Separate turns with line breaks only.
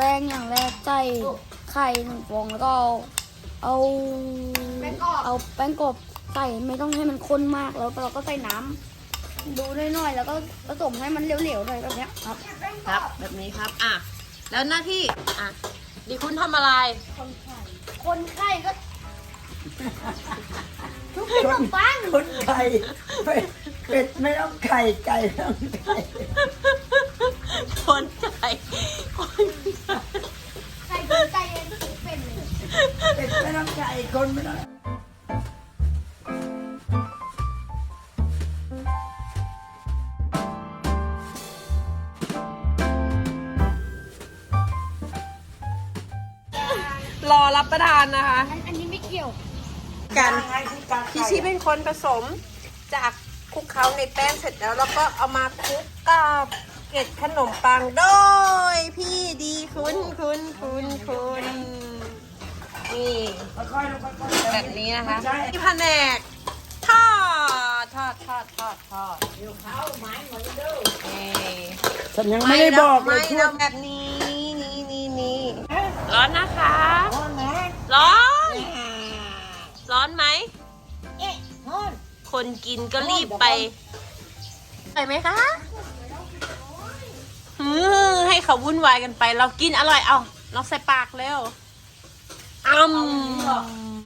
ป้งอย่างแรกใส่ไข่1 ฟองแล้วก็เอาแป้งกรอบใส่ไม่ต้องให้มันข้นมากแล้วเราก็ใส่น้ำดูน้อยๆแล้วก็ผสมให้มันเหลวๆหน่อยแบบเนี้ยครับ
ครับแบบนี้ครับแล้วหน้าที่ดีคุณทำอะไร
คนไข่ก็ทุกขนมปัง
คนไข่เป็ดไม่ต้องไข่ไก่ไม่ต้องไข่
คนไก่คน
ไข่คนไก่เองเป็นเลย
เป็ดไม่ต้องไก่คนไม่ต้อง
รอรับประทานนะคะ
อันนี้ไม่เกี่ยว
กันพี่ชีเป็นคนผสมจากคลุกเคล้าในแป้งเสร็จแล้วแล้วก็เอามาคลุกกับเกล็ดขนมปังโดยพี่ดีคุณนี่
ค่อยๆลงค่อยๆ
แบบนี้นะคะ
ใช่
ที่แผนกทอดนี่
ฉันยังไม่ได้บอกเลย
ไม่เราแบบนี้นี่ร้อนนะคะ ร้อนไหมคนกินก็รีบไปไหมคะให้เขาวุ่นวายกันไป เรากินอร่อยเอาเราใส่ปากเร็ว